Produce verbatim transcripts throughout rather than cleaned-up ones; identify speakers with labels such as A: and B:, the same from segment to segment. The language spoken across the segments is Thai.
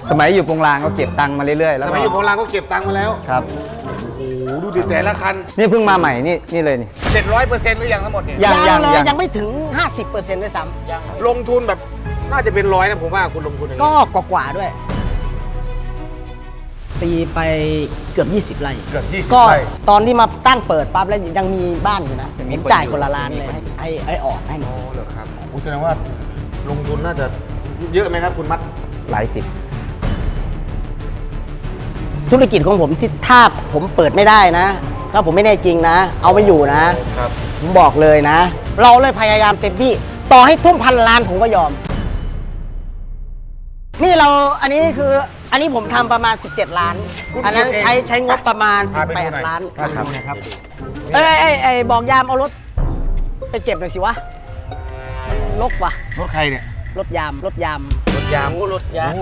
A: สมัยอยู่โปงลางก็เก็บตังค์มาเรื่อยๆแล้ว
B: สมัยอยู่โปงลางก็เก็บตังค์มาแล้ว
A: ครับ
B: โอ้โหดูดิแต่ละคัน
A: นี่เพิ่งมาใหม่นี่นี่เลยนี่
B: เจ็ดร้อยเปอร์เซ็นต์หรือยังทั้งหมดเนี่ย
A: ยังยัง
C: เลย
A: ยัง
C: ยังไม่ถึง ห้าสิบเปอร์เซ็นต์ ด้วยซ้ำ
B: ลงทุนแบบน่าจะเป็นร้อยนะผมว่าคุณลงทุนอย่างนี้
C: ก็กว่าๆด้วยตีไปเกือบยี่สิบไร่
B: เกือบยี่สิบ
C: ก็
B: ไร่
C: ตอนที่มาตั้งเปิดปั๊บแล้วยังมีบ้านอยู่นะผมจ่ายคนละล้านเลยให้ให้ให้ออกให้หมด
B: โอ้เหรอครับแสดงว่าลงทุนน่าจะเยอะไหมครับคุณมัด
A: หลายสิบ
C: ธุรกิจของผมที่ถ้าผมเปิดไม่ได้นะ ถ้าผมไม่แน่จริงนะ เอาไม่อยู่นะครับผมบอกเลยนะ เราเลยพยายามเต็มที่ต่อให้ทุ่มพันล้านผมก็ยอมนี่เราอันนี้คืออันนี้ผมทำประมาณสิบเจ็ดล้านอันนั้นใช้ใช้งบประมาณสิบแปดล้าน
B: ครับ
C: เอ้ยเอ้ยเอ้ยบอกยามเอารถไปเก็บหน่อยสิวะลกว่ะ
B: รถใครเนี่ย
C: รถยามรถยาม
B: รถยาม
C: รถยาม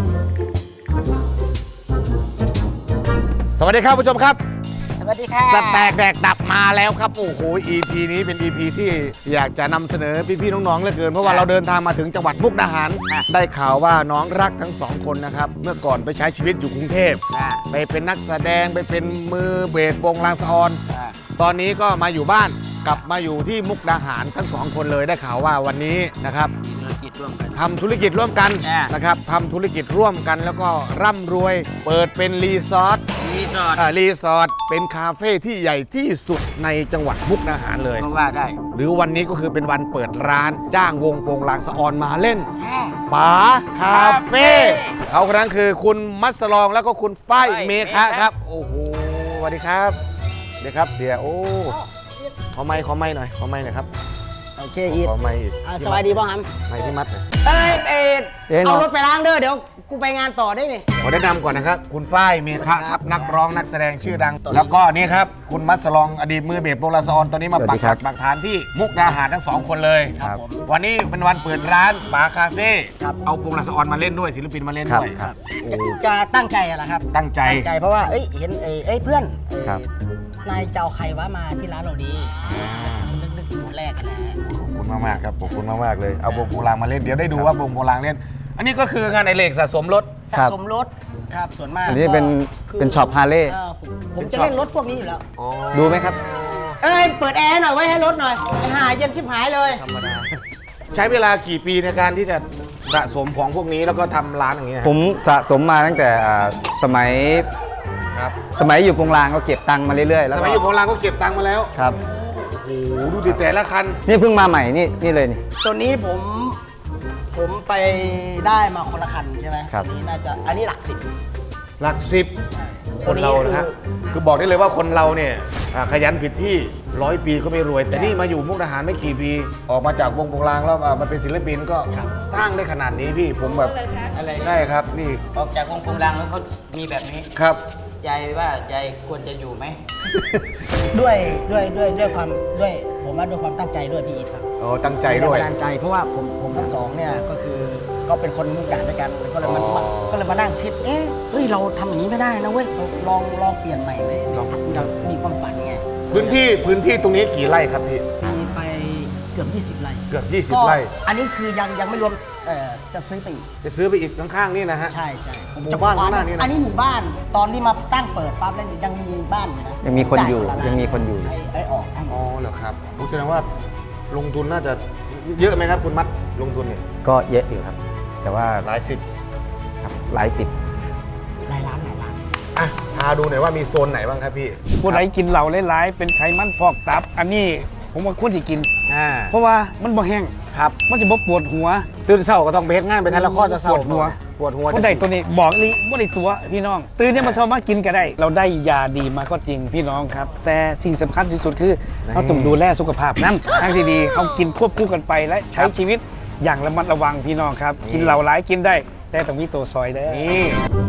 B: สวัสดีครับผู้ชมครับ
C: สวัสดีค่ะ
B: สแตกแดกดับมาแล้วครับโอ้โห อี พี นี้เป็น อี พี ที่อยากจะนำเสนอพี่ๆน้องๆเหลือเกินเพราะว่าเราเดินทางมาถึงจังหวัดมุกดาหารได้ข่าวว่าน้องรักทั้งสองคนนะครับเมื่อก่อนไปใช้ชีวิตอยู่กรุงเทพไปเป็นนักแสดงไปเป็นมือเบสวงลางสะออนตอนนี้ก็มาอยู่บ้านกลับมาอยู่ที่มุกดาหารทั้งสองคนเลยได้ข่าวว่าวันนี้นะครับทำธุรกิจร่วมกันนะครับทำธุรกิจร่วมกันแล้วก็ร่ำรวยเปิดเป็นรีสอร์ทรีสอร์ทรีสอร์ทเป็นคาเฟ่ที่ใหญ่ที่สุดในจังหวัดมุกดาหารเลย
C: ก็ว่าได้
B: หรือวันนี้ก็คือเป็นวันเปิดร้านจ้างวงโปงลางสะออนมาเล่นป๋าคาเฟ่เขาคนนั้นคือคุณมัสลองแล้วก็คุณฝ้ายเมฆะครับโอ้โหสวัสดีครับเดี๋ยวครับเสียโอ้ขอไม้ขอไม้หน่อยขอไม้หน่อยครับ
C: โอเคอีท
B: ขอไม้อีก
C: สบายดีป่ะครับ
B: ไม้ที่มัดเลย
C: เอ้ยเอ็ดเอารถไปล้างเด้อเดี๋ยวกูไปงานต่อได้นี่
B: ขอแนะนำก่อนนะครับคุณฝ้ายเมฆะครับนักร้องนักแสดงชื่อดังแล้วก็นี่ครับคุณมัสลองอดีตมือเบสโปงลางสะออนตอนนี้มาปักหลักปักฐานที่มุกดาหารทั้งสองคนเลย
C: ครับ
B: วันนี้เป็นวันเปิดร้านป๋าคาเฟ่เอาโปงลางสะออนมาเล่นด้วยศิลปินมาเล่นด้วย
C: จะตั้งใจอะไรครับ
B: ตั้งใจ
C: ตั้งใจเพราะว่าเอ้ยเห็นเอ้ยเพื่อนนายเจ้าใครว่ามาที่ร้านเราดีนึกนึกถึงแรกกันแหละ
B: ขอบคุณมากมากครับขอบคุณมากมากเลยเอาวงโปงลางมาเล่นเดี๋ยวได้ดูว่าวงโปงลางเล่นอันนี้ก็คืองานในเหล็กสะสมรถ
C: สะสมรถครับส่วนมาก
A: อันนี้เป็นเป็นช็อปฮาร์เลย์
C: ผมจะเล่นรถพวกนี้อยู่แล้ว
A: ดูไหมครับ
C: เอ้ยเปิดแอร์หน่อยไว้ให้รถหน่อยไอ้ห่าเย็นชิบหายเลย
B: ใช้เวลากี่ปีในการที่จะสะสมของพวกนี้แล้วก็ทำร้านอย่างเงี้ย
A: ผมสะสมมาตั้งแต่สมัย
B: ครับ
A: สมัยอยู่โปงลางก็เก็บตังค์มาเรื่อยๆแล้ว
B: สมัยอยู่โปงลางก็เก็บตังค์มาแล้ว
A: ครับ
B: โอ้โหดูดิแต่ละคัน
A: นี่เพิ่งมาใหม่นี่นี่เลยนี่
C: ตัวนี้ผมผมไปได้มาคนละคันใช่ไหม
A: ครับ
C: นี่น่าจะอันนี้หลักสิบ
B: หลักสิบคนเรานะฮะคือบอกได้เลยว่าคนเราเนี่ยขยันผิดที่ร้อยปีก็ไม่รวยแต่นี่มาอยู่มุกดาหารไม่กี่ปีออกมาจากวงโปงลางแล้วมาเป็นศิลปินก็สร้างได้ขนาดนี้พี่ผมแบบได้ครับนี่
D: ออกจากวงโปงลางแล้วเขามีแบบนี้
B: ครับ
D: ยายว่ายายควรจะอยู่ไหม
C: ด้วยด้วยด้วยด้วยความด้วยผมว่าด้วยความตั้งใจด้วยพี่อีทครับ
B: อ๋อตั้งใจด้วย
C: ตั้งใจเพราะว่าผมผมทั้งสองเนี่ยก็คือก็เป็นคนมุกดาหารด้วยกันก็เลยมาก็เลยมานั่งคิดเอ๊ะเฮ้ยเราทำอย่างนี้ไม่ได้นะเว้ยลองลองเปลี่ยนใหม่ไหมลองอยากมีความฝันไง
B: พื้นที่พื้นที่ตรงนี้กี่ไร่ครับพี่
C: มีไปเกือบยี่สิบไร่
B: เกือบยี่สิบไร่
C: อันนี้คือยังยังไม่รวมเอ่อจะซื้อไปอีก
B: จะซื้อไปอีกข้างๆนี่นะฮะ
C: ใช่ใช่
B: หมู่บ้านข้างหน้านี่นะ
C: อันนี้หมู่บ้านตอนที่มาตั้งเปิดปั๊บแล้วยังมีบ้านอยู่นะ
A: ยังมีคนอยู่ยังมีคนอยู่
C: ไอ้ออก
B: อ๋อเหรอครับผมแสดงว่าลงทุนน่าจะเยอะไหมครับคุณมัดลงทุนเนี่ย
A: ก็เยอะอยู่ครับแต่ว่า
B: หลายสิบ
A: ครับหลายสิบ
C: หลายล้านหลายล้าน
B: อ่ะพาดูหน่อยว่ามีโซนไหนบ้างครับพี่
E: ผู้ใดกินเหล้าหลายๆเป็นไขมันพอกตับอันนี้ผมว่าควรที่กินเพราะว่ามันบ่แห้ง
B: ครับ
E: มันจะบ่ปวดหัว
B: ตื่นเช้าก็ต้องไปเฮ็ดงานไปทันละข้อจะเช้า
E: ปวดหัว
B: ปวดหัว
E: คนใดตัวนี้บอกเลยบ่ได้ตัวพี่น้องตื่นเนี่ยมาเช้ามากินก็ได้เราได้ยาดีมาก็จริงพี่น้องครับแต่สิ่งสำคัญที่สุดคือเราต้องดูแลสุขภาพนั้นทางที่ดีเขากินควบคู่กันไปและใช้ชีวิตอย่างระมัดระวังพี่น้องครับกินเหล้าหลายกินได้แต่ต้องมีตัวซอยได้
B: นี่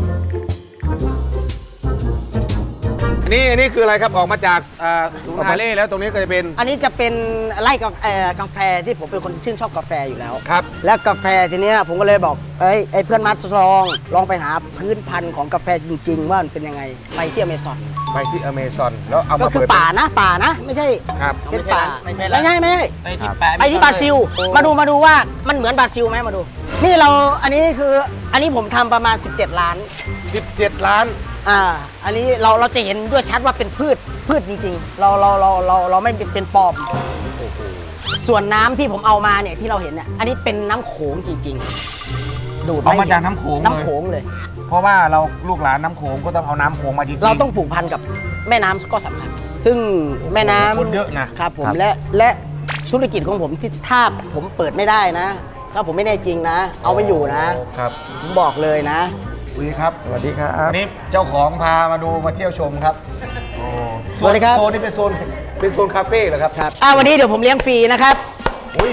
B: อันนี้อันนี้คืออะไรครับออกมาจากศูนย์ฮาร์เลย์แล้วตรงนี้ก็จะเป็น
C: อันนี้จะเป็นไร่กาแฟที่ผมเป็นคนชื่นชอบกาแฟอยู่แล้ว
B: ครับ
C: แล้วกาแฟทีเนี้ยผมก็เลยบอกเอ้ยไอ้เพื่อนมัดลองลองไปหาพื้นพันธุ์ของกาแฟจริงๆว่ามันเป็นยังไงไปที่อเมซอน
B: ไปที่อเมซอนแล้วเอามา
C: ก็คือป่านะป่านะไม่ใช่
B: ครับ
C: เป็นป่าไม่ใช่ไม่ใช่ไม่ใช่
D: ไปที่ป่า
C: ไปที่บราซิลมาดูมาดูว่ามันเหมือนบราซิลไหมมาดูนี่เราอันนี้คืออันนี้ผมทำประมาณ สิบเจ็ด ล้าน
B: สิบเจ็ด ล้าน
C: อ่าอันนี้เราเราจะเห็นด้วยชัดว่าเป็นพืชพืชจริงๆ เราเราเราเราเราไม่เป็นเป็นปลอมส่วนน้ำที่ผมเอามาเนี่ยที่เราเห็นเนี่ยอันนี้เป็นน้ำโขงจริงๆ ดูด
B: เอามา
C: ไ
B: จากน้ำโขงเลย
C: น้ำโขงเลย
B: เพราะว่าเราลูกหลานน้ำโขงก็ต้องเอาน้ำโขงมาจริงๆ
C: เราต้องผูกพันกับแม่น้ำก็สำคัญ ซึ่งแม่น้ำ
B: คนเยอะนะครับ
C: ผมและและธุรกิจของผมที่ถ้าผมเปิดไม่ได้นะ ถ้าผมไม่แน่จริงนะ เอาไม่อยู่นะครับ ผมบอกเลยนะ
B: สวัสดีครับ
A: สวัสดีครับ
B: วันนี้เจ้าของพามาดูมาเที่ยวชมครับโอ้
C: สวัสดีครับ
B: โซนนี้เป็นโซนเป็นโซนคาเฟ่เหรอครับ
C: ครับอ่าวันนี้เดี๋ยวผมเลี้ยงฟรีนะครับ
B: อุ้ย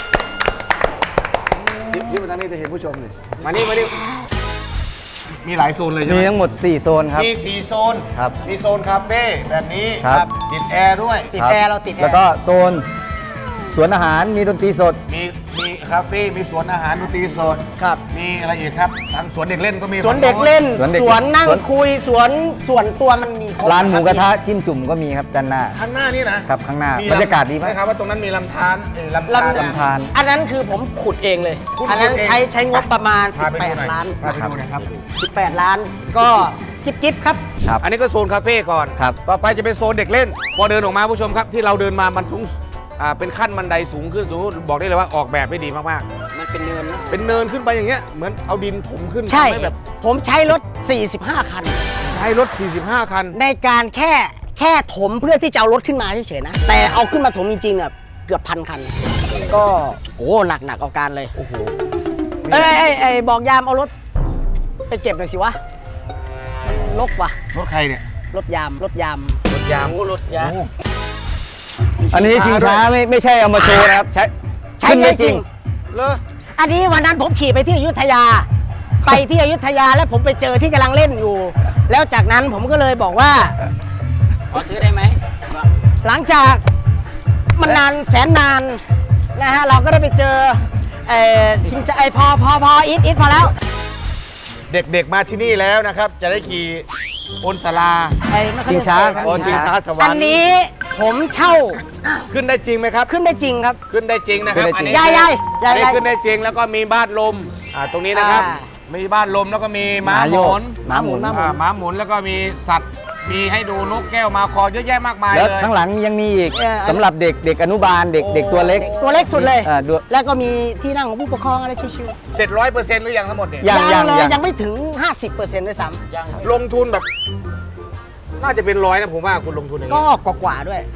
B: ยิ้มยิ้มมาทางนี้จะเห็นผู้ชมเลยมานี่มานี่มีหลายโซนเลยใช่
A: มี
B: ไหม
A: ทั้งหมด สี่ โซนครับ
B: มีสี่โซน
A: ครับ
B: มีโซนคาเฟ่แบบนี้
A: ครับ
B: ติดแอร์ด้วย
C: ติด
A: คบ
C: แอร์เราติดแอร์
A: แล้วก็โซนสวนอาหารมีดนตรีสด
B: มีมีคาเฟ่มีสวนอาหารดนตรีสด
C: ครับ
B: มีอะไรอีกครับทางสวนเด็กเล่นก็มี
C: สวนเด็กเล่น
A: สวนเด็ก
C: สวนนั่ง
A: สวน
C: คุยสวนส่วนตัวมันมีคบ
A: ร้านหมูกระทะจิ้มจุ่มก็มีครับด้านหน้า
B: ข้างหน้านี่นะครับ
A: ข้างหน้า
B: มี
A: บรรยากาศดีมาก
B: ใช่ครับว่าตรงนั้นมีลำธารเอ่อลำธาร
C: ลำ
A: ลำธาร
C: อันนั้นคือผมขุดเองเลย
B: คุณ
C: อันนั้น
B: ขุดเอง
C: ใช้ใช้งบประมาณ
B: พาไปดูหน่อย
C: สิบแปด ล้าน
B: พาไปดูหน่อยครับ
C: สิบแปด ล้าน ก็จิบจิบครับ
A: ครับ
B: อันนี้ก็โซนคาเฟ่ก่อน
A: ครับ
B: ต่อไปจะเป็นโซนเด็กเล่น พอเดินออกมาผู้ชมครับที่เราเดินมามันสูงอ่าเป็นขั้นบันไดสูงขึ้นสูงบอกได้เลยว่าออกแบบได้ดีมาก
D: มันเป็นเนินนะ
B: ๆ เป็นเนินขึ้นไปอย่างเงี้ยเหมือนเอาดินถมขึ้น
C: ใช่
B: ทำห้แบบ
C: ผมใช้รถ สี่สิบห้า คัน
B: ใช้รถ สี่สิบห้า คัน
C: ในการแค่แค่ถมเพื่อที่จะเอารถขึ้นมาเฉยๆนะ แต่เอาขึ้นมาถมจริงๆเนี่ยเกือบพันคัน ก็โอ้หนักหนักเอาการเลย
B: โอ้โห
C: เอ้ยเอ้ยเอ้ยบอกยามเอารถ ไปเก็บหน่อยสิวะลกว่ะ
B: รถใครเนี่ย
C: รถยามรถยาม
B: รถยาง
D: โอ้รถยาง
B: โอ้
A: อันนี้ชิงช้าไม่ไม่ใช่เอามาโชว์นะครับ ใช้
C: ใช้
A: ขึ้น
C: ได้
A: ได้
C: จ
A: จ
C: ริ
A: ริ
C: ง
A: ง
B: เลอ
C: อันนี้วันนั้นผมขี่ไปที่อยุธยา ไปที่อยุธยาแล้วผมไปเจอที่กำลังเล่นอยู่ แล้วจากนั้นผมก็เลยบอกว่า
D: ขอซื้อได้ไหม
C: หลังจากมันนานแสนนานนะฮะเราก็ได้ไปเจอเอ่อชิงจะไอพอพอพออีทอีทพอแล้ว
B: เด็กๆมาที่นี่แล้วนะครับ จะได้ขี่บนศาลา
C: ไอ้ไม่ค่อย
A: ชิงช้า
C: ได้เคย
B: บนชิงช้าสวรรค์
C: อันนี้ผมเช่า
B: ขึ้นได้จริงไหมครับ
C: ขึ้นได้จริงครับ
B: ขึ้นได้จริงนะครับ
A: ขึ้นได้จริง
B: อันนี้
C: ยายยายยาย
B: อันนี้
C: ยาย
B: ขึ้นได้จริงแล้วก็มีบ้านลมอ่าตรงนี้นะครับ
C: อ่า
B: มีบ้านลมแล้วก็มีม้า
A: ม้า
B: ห
A: โย
B: มุ
A: ก
B: น
A: ม้าหมุน
C: ม้าหมุ
B: อ่าม้าหมุนแล้วก็มีสัตว์มีให้ดูนกแก้วมาคอเยอะแยะมากมาย
A: แล้ว
B: เลย
A: ข้างหลังยังมีอีก
C: เออ
A: สำหรับเด็กเด็กอนุบาลเด็ก
B: โอ้
A: เด็กตัวเล็ก
C: ตัวเล็กสุดเลย
A: อ่าดู
C: แล้วก็มีที่นั่งของผู้ปกครองอะไรชิว
B: เสร็จร้อยเปอร์เซ็นต์หรือยังทั้งหมดเนี่ย
C: ๆ
A: ยังยัง
C: เลย
A: ยัง
C: ยังไม่ถึง ห้าสิบเปอร์เซ็นต์ด้วยซ้
D: ยัง
B: ลงทุนแบบ น่าจะเป็นร้อยนะผมว่าคุณลงทุนอย่าง
C: ำก็
B: นี้
C: กว่าๆด้วย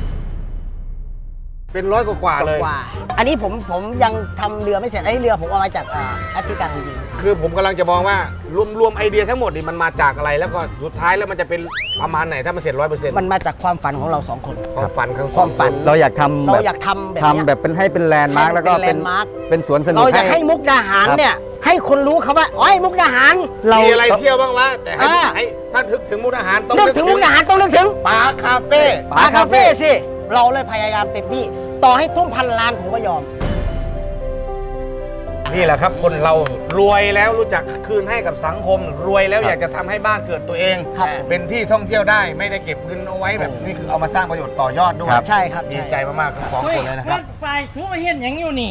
B: เป็นร้อยกว่าๆเลย
C: กว่าๆอันนี้ผมผมยังทำเรือไม่เสร็จไอ้เรือผมเอามาจากอ่าแอฟริกาจริง
B: คือผมกำลังจะมองว่ารวมรวมไอเดียทั้งหมดนี่มันมาจากอะไรแล้วก็สุดท้ายแล้วมันจะเป็นประมาณไหนถ้ามันเสร็จร้อยเปอร์เซ็นต์
C: ๆมันมาจากความฝันของเราสองคน
B: ความฝันข้าง
C: ความฝัน
A: เราอยากทำ
C: เรา
A: แบบ
C: อยากทำแบบ
A: ทำ
C: เนี้ย
A: แบบเป็นให้เป็นแลนด์มาร์กแล้วก็
C: เป็น
A: เป็น
C: landmark
A: เป็นสวนสนุก
C: เราอยากให้มุกดาหาร
A: ครับ
C: เนี่ยให้คนรู้เขาว่าอ๋อมุกดาหารเรา
B: มีอะไรเที่ยวบ้างวะแต่ให้
C: อ่า
B: ให้ถ้าถึงถึงมุกดาหารต้อง
C: นึกถึงมุกดาหารต้องนึกถึง
B: ปาคาเฟ่
C: ปาคาเฟ่สิเราเลยพยายามเต็มที่ต่อให้ทุ่มพันล้านผมก็ยอม
B: นี่แหละครับคนเรารวยแล้วรู้จักคืนให้กับสังคม รวยแล้ว
A: ครับ
B: อยากจะทำให้บ้านเกิดตัวเอง
C: ครับ
B: เป็นที่ท่องเที่ยวได้ไม่ได้เก็บเงินเอาไว้แบบนี่คือเอามาสร้างประโยชน์ต่อยอดด้วย
C: ใช่ครับ
B: ดี
C: ใช่
B: ใจมากๆทั้งสองคนเลยนะครับ
F: ฝ่ายชูมาเห็นหยังอยู่นี่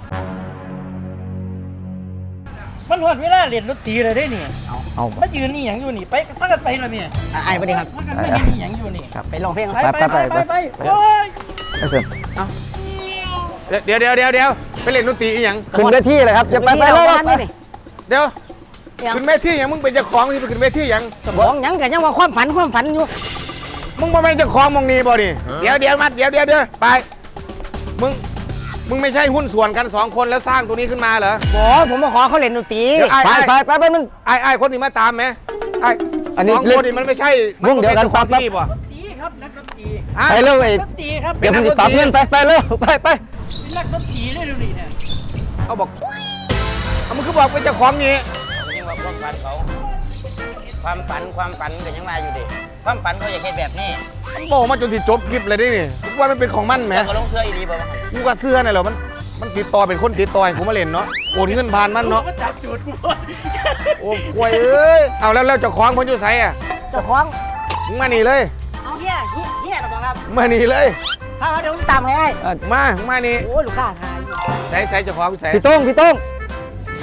F: มันหอดเวลาเรียนดนตรีเลยได้นี่
A: เอา
F: มายืนนี่หยังอยู่นี่ ไปพักกันไปแล้วเนี่ย
C: อ่ะไอ้ประเด็นครับ
F: พักกันไม่เห็นนี่หยังอยู่นี่
C: ไปลองเพลง
F: ไป
C: ครับ
F: ไปไปไปไปโอ้ย
A: เอาเสร็จ
B: เดี๋ยวเดี๋ยวเดี๋ยวเดี๋ยวไปเล่นดนตรีอีหยัง
A: ขึ้นเวทีเลยครับจะไปไป
C: ที่
A: เล
C: เรา
A: ย
C: บ้านนี่นี่
B: เดี๋ยว
C: ยัง
B: ขึ้นเวทีอย่างมึงเป็นเจ้าของที่ไปขึ้นเวทีอย่าง
C: สมองยังกันยังว่าความฝันความฝันอยู่
B: มึงบ่แม่นเจ้าของมองนี่บ่ดิเดี๋ยวเดี๋ยวมาเดี๋ยวเดี๋ยวเดี๋ยวไปมึงมึงไม่ใช่หุ้นส่วนกันสองคนแล้วสร้างตัวนี้ขึ้นมาเหรอ
C: บอผมมาขอเขาเล่นดนตรี
B: เดี๋ยวไอ้
A: ไปไปไปไปมึง
B: ไอ้ไอ้คนนี้มาตามไหมไอ้
A: อันนี้
B: สองคนนี่มันไม่ใช่
A: วงเดียวกัน
B: ปั๊บ
A: ปั๊บ
B: ที่บ่
F: ดนตรีครับนักดนตรี
B: อ่ะ
A: ไปเร็วไอ้
F: ดนตรีครับ
A: เดี๋ยวมึงจะปรับเงินไปไปเร็วไปไป
F: เป็นนักดนตรีได้ดูดิเนี่ย
B: เอาบอกเอามึงคือบอกเป็นเจ้าของนี่
D: ยังว่าความฝันเขา ความฝันความฝันก็ยังมาอยู่ดิความฝันเขาอยากเห็นแบบนี้
B: มันบอกมาจนที่จบคลิปเลยดินี่กูว่ามันเป็นของมันแหม
D: แล้วก็ลงเสื้ออีดีบ่มาหัน
B: กูว่าเสื้อน่ะเหรอมันมันติดต่อเป็นคนติดต่อให้กูมาเล่นเนาะโอนเงินผ่านมันเนาะ
F: ก็จับจูดกู
B: โอ้กล้วยเอ้ยเอาแล้วแล้วเจ้าของคนอยู่ไสอ่ะ
C: เจ้าของ
B: มึงมานี่เลย
C: เอาเฮียเฮียเฮียนะบอกครับ
B: มานี่เลย
C: พามาเดี๋ยวผมตามให้
B: มามึงมานี่
C: โอ้ยลูกค้าทายอยู่
B: ใส่ใส่เจ้าของใส่
A: พี่โต้งพี่โต้ง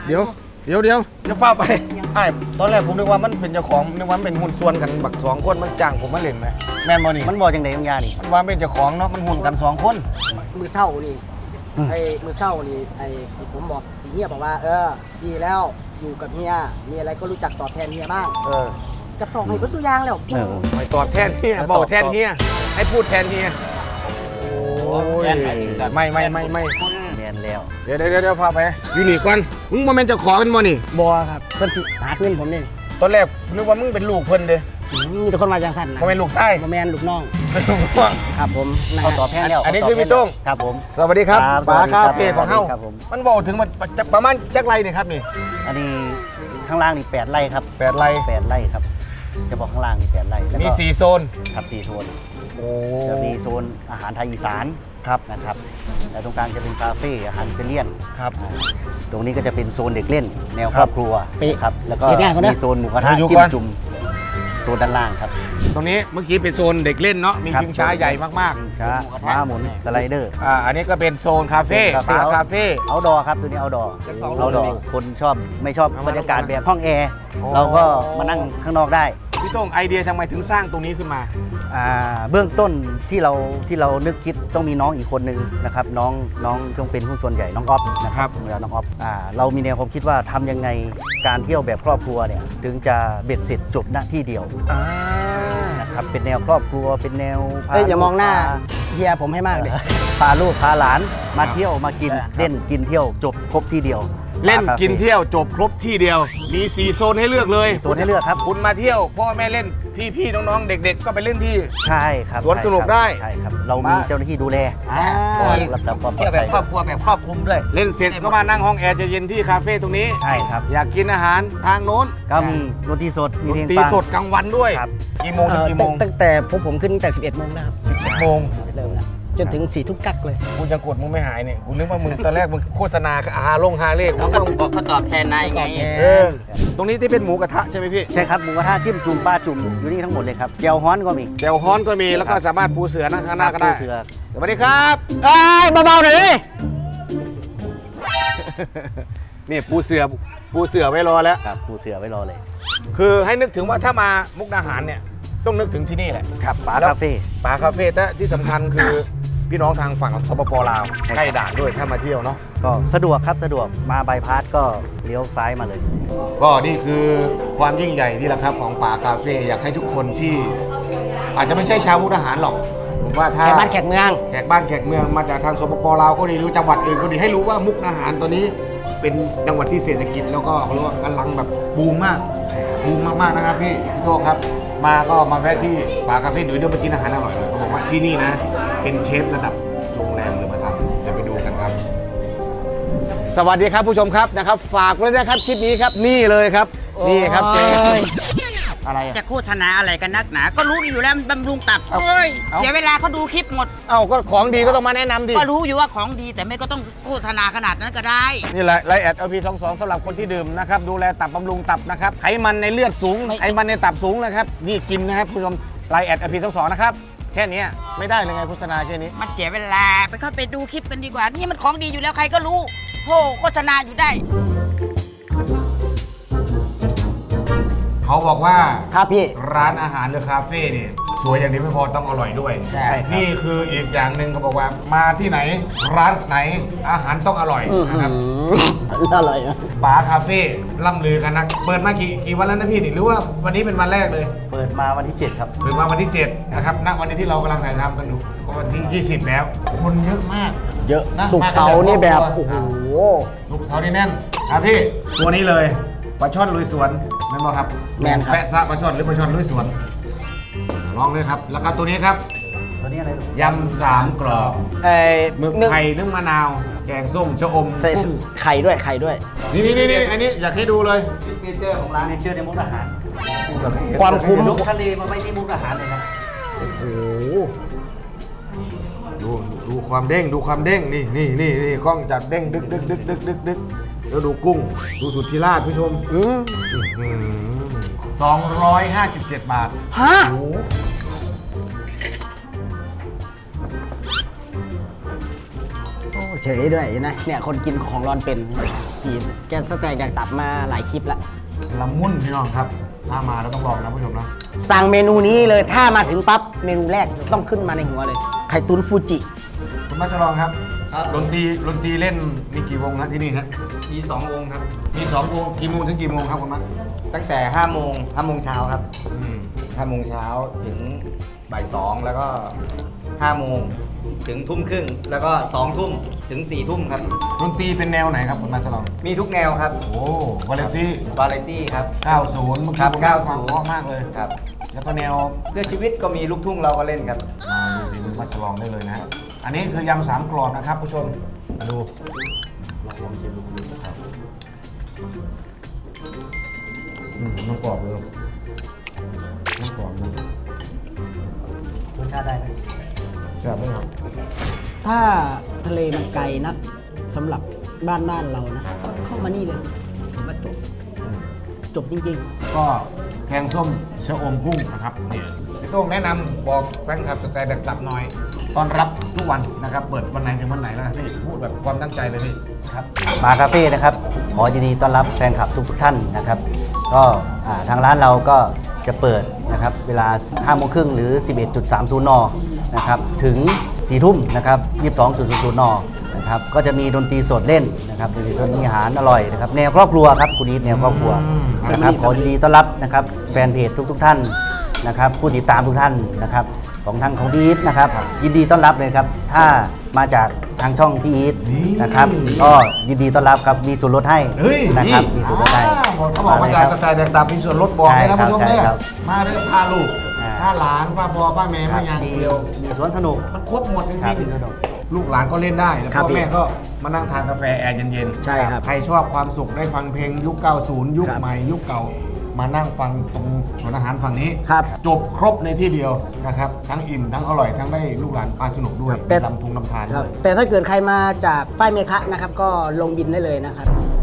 B: เดี๋ยวเดี๋ยวเดี๋ยวจะฟ้าไปไอ้ตอนแรกผมนึกว่ามันเป็นเจ้าของนึกว่ามันเป็นหุ้นส่วนกันบักสองคนมันจ้างผมมาเล่นไหมแม่นบ่นี่
D: มันบอกจังไดของยานี่
B: มันว่าเป็นเจ้าของเนาะมันหุ้นกันสองคน
C: มือเศร้านี่ไอ้มือเศร้านี่ไอ้ที่ผมบอกที่เฮียบอกว่า เออดีแล้วอยู่กับเฮียมีอะไรก็รู้จักตอบแทนเฮียบ้าง
B: เออ
C: กระตอบให้ก็สุยางแล้ว
D: เออ
B: ไปตอบแทนเฮียบอกแทนเฮียให้พูดแทนเฮียโอ้ยไม่ไม่ไม่ไม่
D: แม่นแล้ว
B: เดี๋ยวเดี๋ยวเดี๋ยวพาไปอยู่นี่ก่อนมึงมาเป็นเจ้าของกันบ่นี่
C: บัวครับเพิ่นสิหาเงินผมนี่
B: ตอนแรกนึกว่ามึงเป็นลูกเพิ่นเด้
C: อืมมีแต่คนมาจังสั่นนะ
B: บ่เป็นลูกไส้
C: บ่แมนลูกน้อง
B: เป็นลูกพ่วง
C: ครับผมนะ
D: เขา
C: ฮะ
D: ตอบแทนแล้ว
B: อันนี้
D: เขา
B: คือพี่โต้ง
D: ครับผม
B: สวัสดีครับ
D: ครับ
B: ปลา
D: สวัสดีครั
B: คา
D: บ
B: เฟ่ของเฮา
D: ครับผม
B: มันบอกถึงมันจะประมาณจักไรนี่ครับนี่
D: อันนี้ข้างล่างนี่แปดไร่ครับ
B: แปดไร
D: แปดไร่ครับ จะบอกข้างล่างนี่แปดไร่แล้ว
B: มี
D: ก็
B: สี่โซน
D: ครับสี่โซน
B: โอ้
D: จะมีโซนอาหารไทยอีสาน
B: ครับ
D: นะครับแล้วตรงกลางจะเป็นคาเฟ่อาหารอิตาเลียน
B: ครับ
D: อ่าตรงนี้ก็จะเป็นโซนเด็กเล่น แนว
B: ค
D: ครับ รอบครัวครับแล้วก็
C: เด็กง่ายกว่านะ
D: มีโซนหมูกระทะ
B: อยู่
D: จิ้
B: ก่
D: ม
B: อน
D: จุ่มโซนด้านล่างครับ
B: ตรงนี้เมื่อกี้เป็นโซนเด็กเล่นเนาะมี
D: ครับ
B: ชิงช้าใหญ่มาก
D: ชิงช้าม้าหมุนสไลเดอร์
B: ๆอ่าอันนี้ก็เป็นโซนคาเฟ่
D: เป็น
B: ปลา
D: คา
B: คา
D: เฟ่
B: เฟ่
D: เอาดอครับตัวนี้เอาดอเอาดอคนชอบไม่ชอบ
B: เอามา
D: บรรยากาศ
B: เอามา
D: แบบห้องแอร์
B: โอ้
D: เราก็มานั่งข้างนอกได้
B: พี่โต้งไอเดียทำไมถึงสร้างตรงนี้ขึ้นมา
D: อ่าเบื้องต้นที่เราที่เรานึกคิดต้องมีน้องอีกคนนึงนะครับน้องน้องจงเป็นหุ้นส่วนใหญ่น้องออฟนะครับเวลาน้องออฟอ่าเรามีแนวความคิดว่าทำยังไงการเที่ยวแบบครอบครัวเนี่ยถึงจะเบ็ดเสร็จจบณที่เดียว
B: อ่า
D: นะครับเป็นแนวครอบครัวเป็นแนวพ
C: เอ้ยอย่ามองหน้า
D: พ
C: เฮียผมให้มากเลย
D: พาลูกพาหลานมาเที่ยวมากินเล่นกินเที่ยวจบครบที่เดียว
B: เล่น
D: ปาคาฟ่
B: กินเที่ยวจบครบที่เดียว มีสี่โซนให้เลือกเลย
D: มีโซนให้เลือกครับ
B: คุณมาเที่ยวพ่อแม่เล่นพี่ๆน้องๆเด็ก ๆ ก็ไปเล่นที่
D: ใช่ครับ
B: สวนสนุกได้
D: ใช่ครับเรามีเจ้าหน้าที่ดูแล
B: อ่า
D: คอยรับผิดความปลอดภัย
F: แบบครอบคลุมด้วย
B: เล่นเสร็จก็มานั่งห้องแอร์เย็นๆที่คาเฟ่ตรงนี้
D: ใช่ครับ
B: อยากกินอาหารทางโน้น
D: ก็มีดนตรีสดมีเพลง
B: ตี
D: ฟัง
B: สดกลางวันด้วย
D: ครับ
B: กี่โมง
C: เอ่
B: ถึง
C: อ
B: กี่โมง
C: ตั้งตั้งแต่ผมผมขึ้นตั้งแต่สิบเอ็ดโมงนะครับ
B: โมง
C: เริ่มแล้วจนถึงสี่ทุ่มกักเลย
B: กูจะกดมึงไม่หายเนี่ยกูนึกว่ามึงตอนแรกมึงโฆษณาอาหาลงฮาเลข
F: เขาก็บอกเขาตอบแทนนายไง
B: เออตรงนี้ที่เป็นหมูกระทะใช่ไหมพี่
D: ใช่ครับหมูกระทะจิ้มจุ่มปลาจุ่มอยู่นี่ทั้งหมดเลยครับเจียวฮ้อนก็มี
B: เจลฮ้อนก็มีแล้วก็สามารถปูเสือนั่งข้างหน้าก็ได้
D: เสือ
B: สวัสดีครับ
C: เอ้ยเบาๆหน่อยดิ
B: นี่ปูเสือปูเสือไว้รอแล้ว
D: ครับปูเสือไว้รอเลย
B: คือให้นึกถึงว่าถ้ามามุกดาหารเนี่ยต้องนึกถึงที่นี่แหละ
D: ครับปลา
B: แล้ว
D: คาเฟ่
B: ป่าคาเฟ่แต่ที่สำคัญคือพี่น้องทางฝั่งสปปลาว
D: ใช่ครับ
B: ใกล้ด่านด้วยถ้ามาเที่ยวเนาะ
D: ก็สะดวกครับสะดวกมาบายพาสก็เลี้ยวซ้ายมาเลย
B: ก็นี่คือความยิ่งใหญ่ที่แหละครับของป่าคาเฟ่อยากให้ทุกคนที่ อาจจะไม่ใช่ชาวมุกดาหารหรอกผมว่าถ้า
C: แขกบ้านแขกเมือง
B: แขกบ้านแขกเมืองมาจากทางสปปลาวก็ดีหรือจังหวัดอื่นก็ดีให้รู้ว่ามุกดาหารตัวนี้ เป็นจังหวัดที่เศรษฐกิจแล้วก็เขาเรียกว่ากำลังแบบบูมมากบูมมากๆนะครับพี่พี่โตครับ มาก็มาแวะที่ป่าคาเฟ่เดี๋ยวเดี๋ยวมากินอาหารอร่อยเลยเขาบอกว่าที่นี่นะ เป็นเชฟระดับโรงแรมเลยมาทำเดี๋ยวไปดูกันครับ สวัสดีครับผู้ชมครับนะครับ ฝากไว้นะครับคลิปนี้ครับนี่เลยครับ นี่ครับเชฟอะไรอะ
G: จะโฆษณาอะไรกันนักหนา ก็รู้อยู่แล้วมันบำรุงตับ
B: เอา
G: เอ้ย
B: เอา
G: เสียเวลาเขาดูคลิปหมด
B: เอ้าก็ของดีก็ต้องมาแนะนำดิ
G: ก็รู้อยู่ว่าของดีแต่ไม่ก็ต้องโฆษณาขนาดนั้นก็ได้
B: นี่แหละไลแอด แอล พี สองสิบสองสำหรับคนที่ดื่มนะครับดูแลตับบำรุงตับนะครับไขมันในเลือดสูงไขมันในตับสูงนะครับนี่กินนะครับผู้ชมไลแอด แอล พี สองสิบสองนะครับแค่เนี้ยไม่ได้เลยไงโฆษณาแค่นี้
G: มันเสียเวลาไปเข้าไปดูคลิปกันดีกว่า นี่มันของดีอยู่แล้วใครก็รู้โหโฆษณาอยู่ได้
B: เขาบอกว่า
C: ครับพี่
B: ร้านอาหารหรือคาเฟ่เนี่ยสวยอย่างเดียวไม่พอต้องอร่อยด้วย
C: ใช่ครับ
B: นี่คืออีกอย่างหนึ่งเขาบอกว่ามาที่ไหน ร้านไหนอาหารต้องอร่อยนะครับ
C: อร่อยนะ
B: ป๋าคาเฟ่ล่ำลือกันนะเปิดมากี่กี่วันแล้วนะพี่นี่หรือว่าวันนี้เป็นวันแรกเลย
D: เปิดมาวันที่เจ็ดครับ
B: เปิดมาวันที่เจ็ดนะครับณวันนี้ที่เรากำลังถ่ายทำกันอยู่ก็วันที่ยี่สิบแล้ว คนเยอะมาก
C: เยอะ
B: นะ
C: สุกร์เสาร์นี่แบบโอ้โห
B: ลูกเสาร์นี่แน่นครับพี่ตัวนี้เลยปลาช่อนลุยสวนแม่นบอครับ
C: แม่นครับ
B: แปะซะปลาช่อนหรือปลาช่อนลุยสวนลองเลยครับ แล้วก็ตัวนี้ครับ
D: ตัวนี้อะไรลูก
B: ยำสามกรอบ
C: ไอ้
B: หมึก
C: นึ่ง
B: ไข่นึ่งมะนาว แกงส้มชะอม
C: ใส่
B: กุ้ง
C: ไข่ด้วยไข่ด้วย
B: นี่นี่นี่อันนี้อยากให้ดูเลย
D: ร้านเนเจอร์ในมุกดาหาร
C: ความคุ้ม
D: ยกทะเลมาไว้ที่มุกดาหารเลยครับ
B: โอ้โหดูดูความเด้งดูความเด้งนี่นี่นี่นี่กล้องจัดเด้งดึกดึกดึกดึกดึกดึกแล้วดูกุ้ง ดูสุดที่ราชผู้ชม
C: อืม
B: สองร้อยห้าสิบเจ็ดบาท
C: ฮะ
B: โอ้โหโอ้
C: เฉยด้วยนะเนี่ยคนกินของร้อนเป็นพี่แกสแต็กแดกตับมาหลายคลิปแล้ว
B: ละมุนพี่น้องครับถ้ามาแล้วต้องลองนะผู้ชมนะ
C: สั่งเมนูนี้เลยถ้ามาถึงปั๊บเมนูแรกต้องขึ้นมาในหัวเลยไข่ตุ๋นฟูจิ
B: คุณมัชลองครับดนตรีดนตรีเล่นมีกี่วงครับที่นี่ครับ
H: มีสองวงครับ
B: มีสองวงกี่โมงถึงกี่โมงครับคุณมัช
H: ตั้งแต่ห้าโมงห้าโมงเช้าครับ
B: อืม
H: ห้าโมงเช้าถึงบ่ายสองแล้วก็ห้าโมงถึงทุ่มครึ่งแล้วก็สองทุ่มถึงสี่ทุ่มครับ
B: ดนตรีเป็นแนวไหนครับคุณมัชลอง
H: มีทุกแนวครับ
B: โอ้วาเลนตี้
H: วาไรตี้ครับ
B: เก้าสิบเมื่อ
H: ครั
B: กี้
H: บ
B: ผมได้ฟัง
H: เก้าสิบ
B: เพราะมากเลย
H: ครับ
B: แล้วก็แนว
H: เพื่อชีวิตก็มีลูกทุ่งเราก็เล่นครับ
B: มาดูดีคุณมัชลองได้เลยนะ อันนี้คือยำสามกรอบนะครับผู้ชมมาดูลองลองชิมดูนะครับอืมน้ำกรอบเลยน้ำกรอบนะ
D: รสชาติได้ไหม
B: แซ่บไหมครับ
C: ถ้าทะเลมันไกลนักสำหรับบ้านบ้านเรานะก็เข้ามานี่เลยถือว่าจบจบจริง
B: ก็แกงส้มชะอมกุ้งนะครับนี่พี่โต้งแนะนำบอกแฟนคลับสไตล์แบบตับหน่อยตอนรับทุกวันนะครับ เปิดวันไหนถึงวันไหนแล้วครับพี่พูดแบบความตั้งใจเลยพี่
D: ครับมาคาเฟ่นะครับขอยินดีต้อนรับแฟนคลับทุกๆท่านนะครับ ก็อ่าทางร้านเราก็จะเปิดนะครับเวลาห้าโมงครึ่งหรือ สิบเอ็ดจุดสามศูนย์ นนะครับถึงสี่ทุ่มนะครับยี่สิบสองจุดศูนย์ นนะครับก็จะมีดนตรีสดเล่นนะครับมีส่วนมีอาหารอร่อยนะครับแนวครอบครัวครับคุณอีทแนวครอบครัวนะครับขอยินดีต้อนรับนะครับแฟนเพจทุกๆท่านนะครับผู้ติดตามทุกท่านนะครับของทางของพี่อีทนะครับยินดีต้อนรับเลยครับถ้ามาจากทางช่องพี่อีทนะครับก็ยินดีต้อนรับครับมีส่วนลดให้
B: เฮ้ย
D: นะครับมีส่วนลดให้
B: อ่าเขาบอกว่าจากสไตล์แดกตับมีส่วนลดบอกเลยนะ
D: ใช่ครับ
B: ผู้ชม
D: ใช่
B: เนี่ย
D: ครับ
B: มาได้พาลูก
D: อ่า
B: พาหลานพาพ่อพาแม่มาอย่าง
D: มี
B: เดียว
D: มีสวนสนุก
B: มันครบหมดจ
D: ครั
B: ริ
D: บ
B: ง
D: มีสนุก
B: ๆลูกหลานก็เล่นได้แล้ว
C: ครับ
B: พ่อแม่
C: พี่
B: ก็มานั่งทานกาแฟแอร์เย็นๆ
C: ใช่ครับ
B: ใครชอบความสุขได้ฟังเพลงยุค เก้าสิบ ยุค
C: ครับ
B: ใหม่ยุคเก่า มานั่งฟังตรงสวนอาหารฝั่งนี้
C: ครับ
B: จบครบในที่เดียวนะครับทั้งอิ่มทั้งอร่อยทั้งได้ลูกหลานปลาสนุกด้วย
C: แต่
B: ลำทุงลำทาน
C: ๆครับ
B: ด้วย
C: แต่ถ้าเกิดใครมาจากฝ้ายเมฆะนะครับก็ลงบินได้เลยนะครับ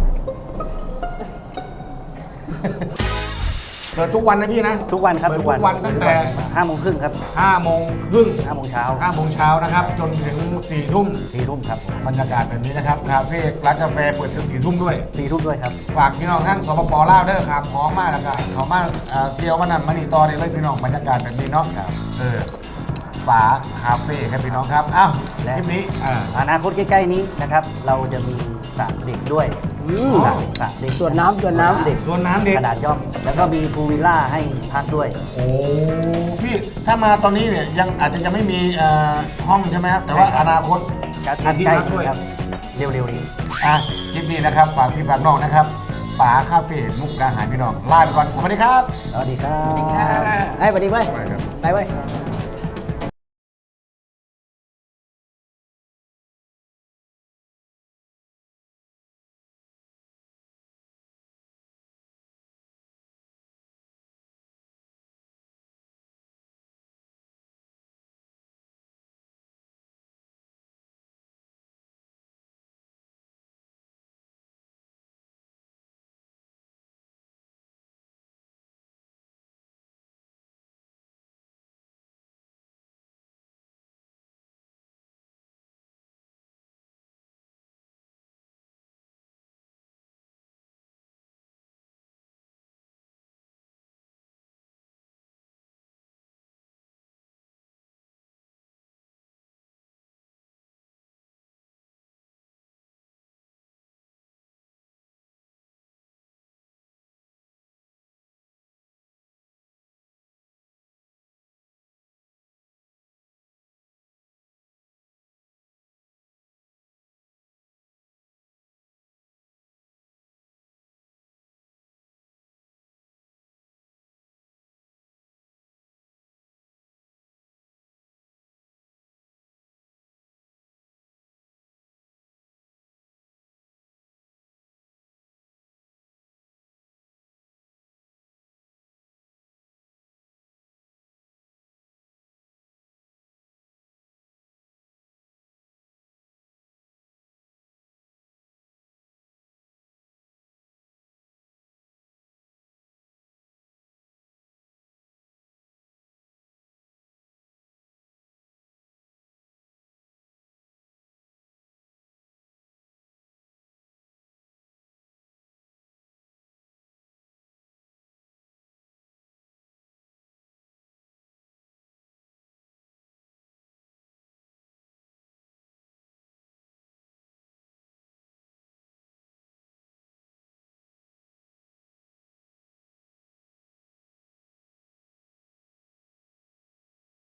B: เปิดทุกวันนะพี่นะ
D: ทุกวันครับ
B: เปิด
D: ทุ
B: ทุ
D: กวัน
B: กวันตั้งแต่
D: ห้าโมงครึ่งครับ
B: ห้าโมงครึ่ง
D: ห้าโมงเช้า
B: ห้าโมงเช้านะครับ จนถึงสี่ทุ่ม
D: สี่ทุ่มครับ
B: บรรยากาศแบบนี้นะครับคาเฟ่ร้านกาแฟเปิดถึงสี่ทุ่มด้วย
D: สี่ทุ่มด้วยครับ
B: ฝากพี่น้องทั้งสปปลาวเด้อครับพร้อมมากแล้วก็เขามาเอ่อเที่ยวมานั่นมานี่ต่อได้เลยพี่น้องบรรยากาศแบบนี้เนาะเออฝาคาเฟ่ครับพี่น้องครับอ้าว
D: และ
B: คลิปนี้อ่า
D: อนาคตใกล้ๆนี้นะครับ เราจะมีสระเด็กด้วย
C: อืม
D: สระสระเด็ก
C: ส่วนน้ำส่วนน้ำ
D: เด็ก
B: ส่วนน้ำเด็ก
D: ขนาดย่อม แล้วก็มีพูลวิลล่าให้พักด้วย
B: โอ้พี่ถ้ามาตอนนี้เนี่ยยังอาจจะยังไม่มีเอ่อห้องใช่ไหมครับแต่ว่า
D: ใช่ครับ
B: อนาคต
D: การ
B: อาทิต
D: ใกล้
B: ย์ละด้วย
D: ครับ เร็วๆนี้
B: อ่ะคลิปนี้นะครับฝากพี่ฝากน้องนะครับฝาคาเฟ่มุกดาหารพี่น้องลาไปก่อนสวัสดีครับ
D: สวัสดีครับ
C: ไอ้ยสวัสดีเว้ย ไปเว้ย